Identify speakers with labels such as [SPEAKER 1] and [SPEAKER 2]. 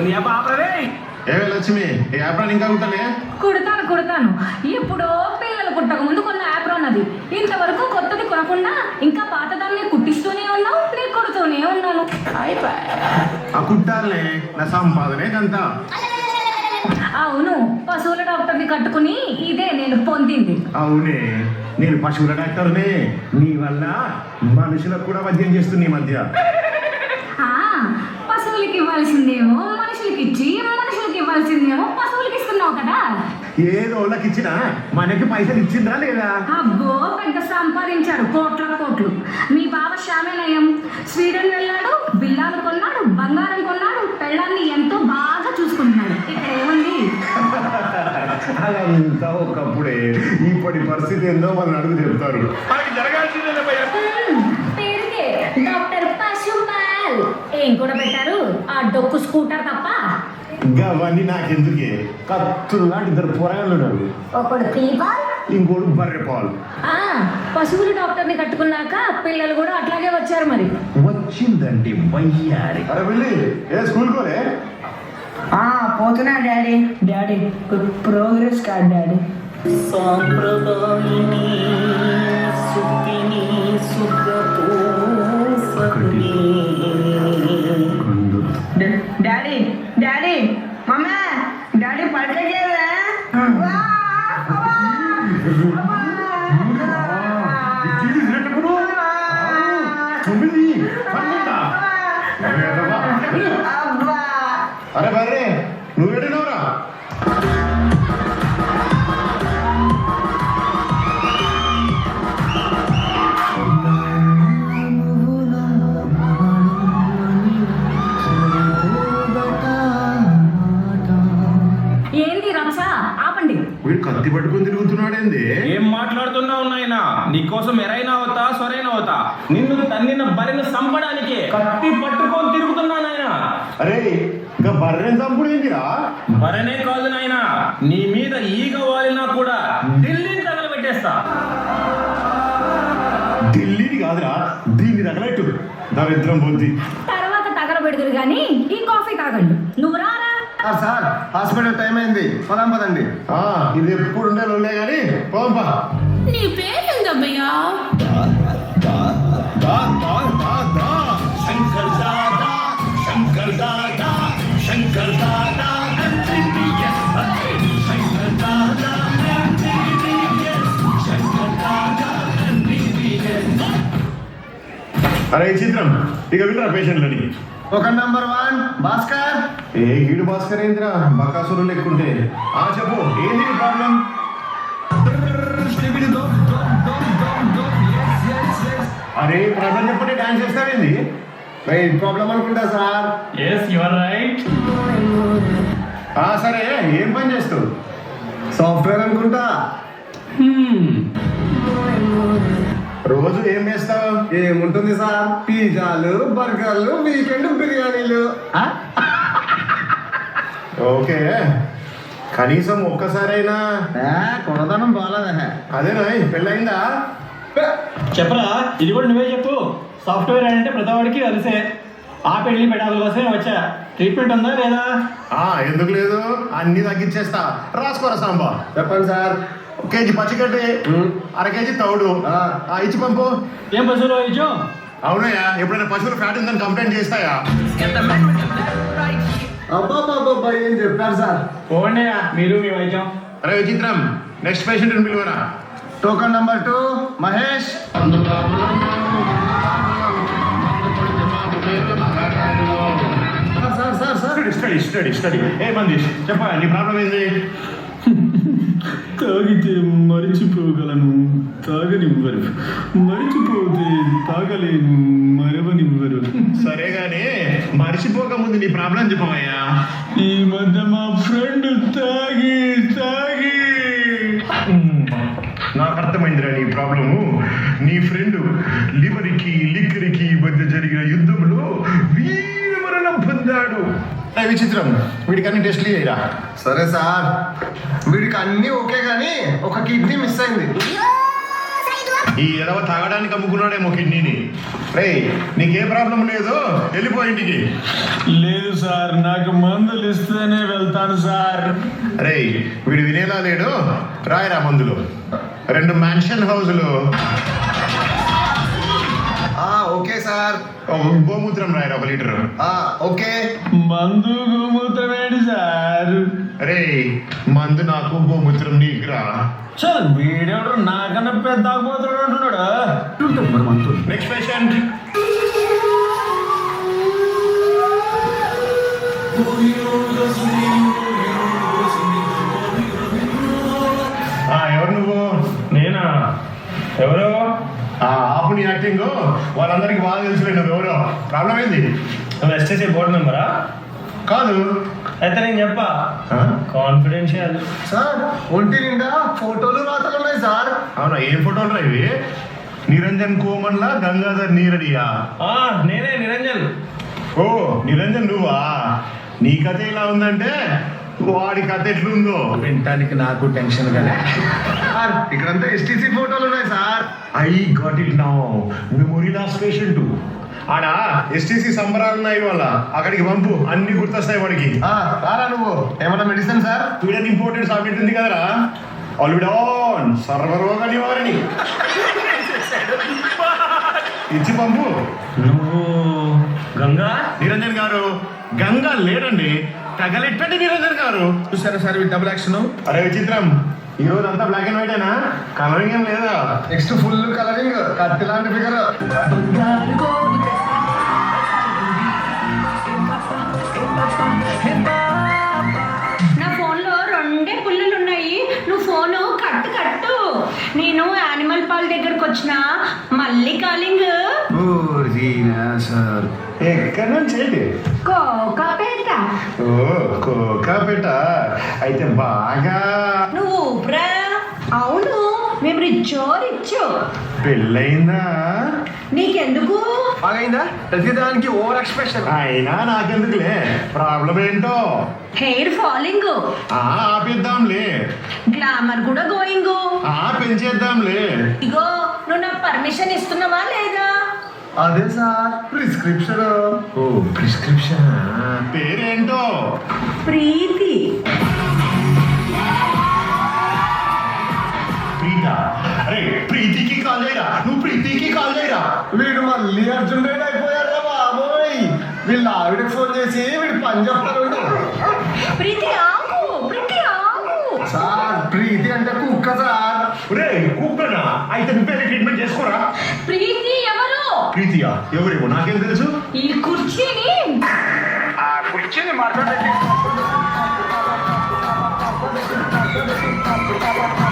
[SPEAKER 1] ఏమే లక్ష్మి ఈ యాప్రాన్ ఇంకా కుట్టలే?
[SPEAKER 2] కుడతాను. ఎప్పుడో పిల్లలు పుట్టక ముందు కొన్న యాప్రాన్ అది. ఇంతవరకు కొత్తది కొనకుండా ఇంకా పాతదాన్ని కుట్టిస్తూనే ఉన్నావు, నేను కొడుతూనే ఉన్నాను.
[SPEAKER 1] ఆ కుట్టాలనే నా సంపాదనే కంత.
[SPEAKER 2] అవును, పశువుల డాక్టర్ని కట్టుకుని ఇదే నేను పొందింది.
[SPEAKER 1] అవునే, నేను పశువుల డాక్టర్నే. నీ వల్ల మనుషులకు కూడా వైద్యం చేస్తుంది ఈ మధ్య.
[SPEAKER 2] పశువులకి ఇవ్వాల్సిందేమో మనుషులకి ఇచ్చి, మనుషులకి ఇవ్వాల్సిందేమో పశువులకి ఇస్తున్నావు కదా.
[SPEAKER 1] ఏదో వాళ్ళకి ఇచ్చినా మనకి పైసలు ఇచ్చిందా లేదా?
[SPEAKER 2] అబ్బో, పెద్ద సంపాదించాడు, కోట్లు. మీ బావ శ్యామేనయం స్వీడన్ వెళ్ళాడు, బిల్లాలు కొన్నాడు, బంగారం కొన్నాడు, పెళ్ళాన్ని ఎంతో బాగా చూసుకుంటున్నాడు. ఇక్కడ ఏముంది?
[SPEAKER 1] అదంతా ఒకప్పుడే. ఇప్పటి పరిస్థితి ఏందో వాళ్ళని అడుగు చెప్తారు.
[SPEAKER 2] పేరుకే డాక్టర్ పశుపాల్. ఏం కూడా పెట్టారు? ఆ డొక్కు స్కూటర్ తప్ప.
[SPEAKER 1] అవన్నీ నాకెందుకే? కత్తులు లాంటి ఇద్దరు పోరాళ్ళు ఉన్నారు.
[SPEAKER 2] ఒకడు పీపాల్,
[SPEAKER 1] ఇంకోడు బర్రె పాలు.
[SPEAKER 2] పశువుల డాక్టర్ని కట్టుకున్నాక పిల్లలు కూడా అట్లాగే వచ్చారు. మరి
[SPEAKER 1] వచ్చిందండి వయ్యారి. అరే వెళ్ళి ఏ స్కూల్ కోలే?
[SPEAKER 3] పోతున్నా డాడీ ప్రోగ్రెస్ కార్డ్ డాడీ.
[SPEAKER 4] సాంప్రదాయిని సుఖిని సుఖతో సకుని.
[SPEAKER 3] డాడీ మమ్మీ డాడీ పడలేదా?
[SPEAKER 1] అరే బర్రే నువ్వు పెట్టినవరా?
[SPEAKER 2] ఏంది రమస, ఆపండి.
[SPEAKER 1] వీడు కత్తి పట్టుకుని తిరుగుతున్నాడేంది?
[SPEAKER 5] ఏం మాట్లాడుతున్నావు నాయనా? నీకోసం ఎరైనా అవుతా సొరైనా అవుతా. నిన్ను తన్నిన బరిని చంపడానికి కత్తి పట్టుకొని తిరుగుతున్నా నాయనా.
[SPEAKER 1] అరే ఇంకా బర్రెని చంపుడు ఏందిరా?
[SPEAKER 5] బరనే కాదు నాయనా, నీ మీద ఈగ వాలినా కూడా ఢిల్లీని తగలబెట్టేస్తా.
[SPEAKER 1] ఢిల్లీని కాదురా, దీన్ని తగలెట్టు. దరిద్రం బుద్ధి.
[SPEAKER 2] తర్వాత తగలబెడుదురు గాని ఈ కాఫీ తాగండి. నువ్వు రారా?
[SPEAKER 6] సార్ హాస్పిటల్ టైం అయింది, పదండి.
[SPEAKER 1] ఇది ఎప్పుడు ఉండే లోలే గాని పోంపా.
[SPEAKER 2] నీ పేరేందబ్బయ్యా?
[SPEAKER 1] శంకర్ దాదా, శంకర్ దాదా, శంకర్ దాదా. అరే చిత్రం ఇక వినరా పేషెంట్లని.
[SPEAKER 6] ఒక నంబర్ 1 భాస్కర్.
[SPEAKER 1] ఏ గీడు భాస్కర్ ఏంద్రా బకాసురు లెక్కుంటే? చెప్పు ఏంది ప్రాబ్లం? అరే ప్రాబ్లం చెప్పండి, డాన్స్ చేస్తావేంది?
[SPEAKER 6] ప్రాబ్లం అనుకుంటా సార్.
[SPEAKER 5] yes you are right.
[SPEAKER 1] సరే ఏం పని చేస్తావు?
[SPEAKER 6] సాఫ్ట్వేర్ అనుకుంటా.
[SPEAKER 1] రోజు ఏం చేస్తావు?
[SPEAKER 6] ఏముంటుంది సార్, పిజ్జాలు, బర్గర్లు, వీకెండ్ బిర్యానీలు.
[SPEAKER 1] ఓకే, కనీసం ఒక్కసారైనా
[SPEAKER 6] కొనదనం బాగాలేదా?
[SPEAKER 1] అదేనా పెళ్ళయిందా?
[SPEAKER 5] చెప్పరా, ఇది కూడా నువ్వే చెప్పు. సాఫ్ట్వేర్ అంటే ప్రతివాడికి కలిసే. ఆ పెళ్లి పెట్టాల కోసమే వచ్చా. ట్రీట్మెంట్ ఉందా లేదా?
[SPEAKER 1] ఎందుకు లేదు, అన్ని తగ్గించేస్తా. రాసుకోరా సాంబా.
[SPEAKER 6] చెప్పండి సార్.
[SPEAKER 1] కేజీ పచ్చిగడ్డి, అర కేజీ తౌడు ఇచ్చి పంపు.
[SPEAKER 5] ఏం పశువులు ఇచ్చు?
[SPEAKER 1] అవునయ్యా, ఎప్పుడైనా పశువులు ఫ్యాట్ ఉందని కంప్లైంట్ చేస్తాయా?
[SPEAKER 6] అబ్బాబాబా ఏం చెప్పారు సార్.
[SPEAKER 5] పోండియా మీరు మీ వైద్యం.
[SPEAKER 1] అరే విచిత్రం, నెక్స్ట్ పేషెంట్ పిలువరా.
[SPEAKER 6] Token number 2 Mahesh.
[SPEAKER 1] స్టడీ. ఏ మంది చెప్పా, నీ ప్రాబ్లం ఏంది?
[SPEAKER 7] తాగితే మరిచిపోగలను, తాగనివ్వరు. మరిచిపోతే తాగలేను, మరవనివ్వరు.
[SPEAKER 1] సరే గానీ మర్చిపోక ముందు నీ ప్రాబ్లం చెప్పవయ్యా.
[SPEAKER 7] ఈ మధ్య మా ఫ్రెండ్ తాగి
[SPEAKER 1] నాకు అర్థమైందిరా నీ ప్రాబ్లము. నీ ఫ్రెండ్ లివరికి లిక్కరికి మధ్య జరిగిన యుద్ధంలో వీరమరణం పొందాడు. విచిత్రం, వీడికి అన్ని టెస్ట్లు చేయరా.
[SPEAKER 6] సరే సార్, వీడికి అన్ని ఓకే గానీ ఒక కిడ్నీ మిస్ అయింది.
[SPEAKER 1] ఈ ఎదవ తాగడానికి అమ్ముకున్నాడేమో కిడ్నీని. రే నీకే ప్రాబ్లం లేదు, వెళ్ళిపో ఇంటికి.
[SPEAKER 7] లేదు సార్, నాకు మందులు ఇస్తేనే వెళ్తాను సార్.
[SPEAKER 1] రే వీడు వినేలా లేడు, రాయరా మందులు. 2 మ్యాన్షన్ హౌజులు,
[SPEAKER 6] ఓకే సార్.
[SPEAKER 1] గోమూత్రం రాయరా 1 లీటర్.
[SPEAKER 6] ఓకే.
[SPEAKER 7] మందు గోమూత్రం ఏంటి సార్?
[SPEAKER 1] రే మందు నాకు, గోమూత్రం నీకురా.
[SPEAKER 7] సార్ వీడెవడు నాకన్నా పెద్ద తాగుబోతుడు అంటున్నాడు.
[SPEAKER 1] Next patient. ఎవరు నువ్వు?
[SPEAKER 5] నేనా? ఎవరు?
[SPEAKER 1] ఆపు నీ యాక్టింగ్, వాళ్ళందరికీ బాగా తెలుసులే నువ్వు ఎవరో. ప్రాబ్లం ఏంది?
[SPEAKER 5] నువ్వు ఎస్టీసీ బోర్డు మెంబరా?
[SPEAKER 1] కాదు.
[SPEAKER 5] అయితే నేను చెప్పా, కాన్ఫిడెన్షియల్.
[SPEAKER 6] సార్ ఒంటి నిండా ఫోటోలు రాతలు ఉన్నాయి సార్.
[SPEAKER 1] అవునా, ఏం ఫోటోలు రా ఇవి? నిరంజన్ కోమన్లా, గంగాధర్ నీరడియా?
[SPEAKER 5] నేనే నిరంజన్.
[SPEAKER 1] ఓ నిరంజన్ నువ్వా? నీ కథ ఇలా ఉందంటే వాడి కథ ఎట్లుందో
[SPEAKER 6] వినటానికి నాకు టెన్షన్ కదా సార్. ఇక్కడంతా ఎస్టీసీ ఫోటోలు ఉన్నాయి సార్.
[SPEAKER 1] I got it now. Memory loss patient. ఆడ ఎస్టీసీ సంబరాలు ఉన్నాయి వాళ్ళ, అక్కడికి పంపు, అన్ని గుర్తొస్తాయి వాడికి.
[SPEAKER 6] రారా నువ్వు, ఏమన్నా మెడిసిన్ సార్?
[SPEAKER 1] స్వీడన్ ఇంపోర్టెడ్ సాకెట్ ఉంది కదరా, ఆల్విడాన్ సర్వరోగ నివారణి ఇచ్చి పంపు.
[SPEAKER 5] నువ్వు గంగా?
[SPEAKER 1] నిరంజన్ గారు గంగా లేడండి, తగలెట్టండి నిరంజన్ గారు.
[SPEAKER 6] చూసారా సార్ డబుల్ యాక్షన్?
[SPEAKER 1] అరే విచిత్రం, ఈ రోజు అంతా బ్లాక్ అండ్ వైటేనా? కలరింగ్ ఏం లేదా?
[SPEAKER 6] నెక్స్ట్ ఫుల్ కలరింగ్, కత్తి లాంటి ఫిగర్.
[SPEAKER 2] నా ఫోన్లో 2 పుల్లలు ఉన్నాయి, నువ్వు ఫోను కట్టు. నేను యానిమల్ పాల్ దగ్గరకు వచ్చిన మళ్ళీ కాలింగ్.
[SPEAKER 6] సార్
[SPEAKER 1] ఎక్కడి నుంచి ఏంటి?
[SPEAKER 2] కోకాపేట.
[SPEAKER 1] ఓ కోకాపేట అయితే బాగా.
[SPEAKER 2] నువ్వు ఊపిరా? అవును, మేము రిచ్చో.
[SPEAKER 1] పెళ్ళయిందా?
[SPEAKER 2] నీకెందుకు?
[SPEAKER 6] బాగైందా? ప్రతిదానికి ఓవర్ ఎక్స్ప్రెషన్.
[SPEAKER 1] అయినా నాకెందుకులే, ప్రాబ్లం ఏంటో?
[SPEAKER 2] Hair falling.
[SPEAKER 1] ఆపిద్దాంలే.
[SPEAKER 2] గ్లామర్ కూడా గోయింగ్.
[SPEAKER 1] పెంచేద్దాంలే.
[SPEAKER 2] ఇగో నువ్వు నాకు పర్మిషన్ ఇస్తున్నావా లేదా?
[SPEAKER 6] అదే సార్ ప్రిస్క్రిప్షన్.
[SPEAKER 1] ఓ ప్రిస్క్రిప్షన్. పేరేంటో?
[SPEAKER 2] ప్రీతి.
[SPEAKER 1] ప్రీత. అరే ప్రీతికి కాల్ చేయరా, నువ్వు ప్రీతికి కాల్ చేయరా.
[SPEAKER 6] వీడు మళ్ళీ అర్జున్ రెడ్డి అయిపోయారా బాబోయ్. వీళ్ళు ఆవిడకి ఫోన్ చేసి వీడు పని చెప్తారు.
[SPEAKER 2] ప్రీతి ఆగు.
[SPEAKER 6] సార్ ప్రీతి అంటే కుక్క సార్.
[SPEAKER 1] రే కుక్కనా? అయితే నువ్వే ట్రీట్మెంట్ చేసుకోరా.
[SPEAKER 2] ప్రీతి ఎవరు?
[SPEAKER 1] ప్రీతియా? ఎవరేమో నాకేం తెలుసు.
[SPEAKER 2] ఈ కుర్చీని
[SPEAKER 6] మాట్లాడండి.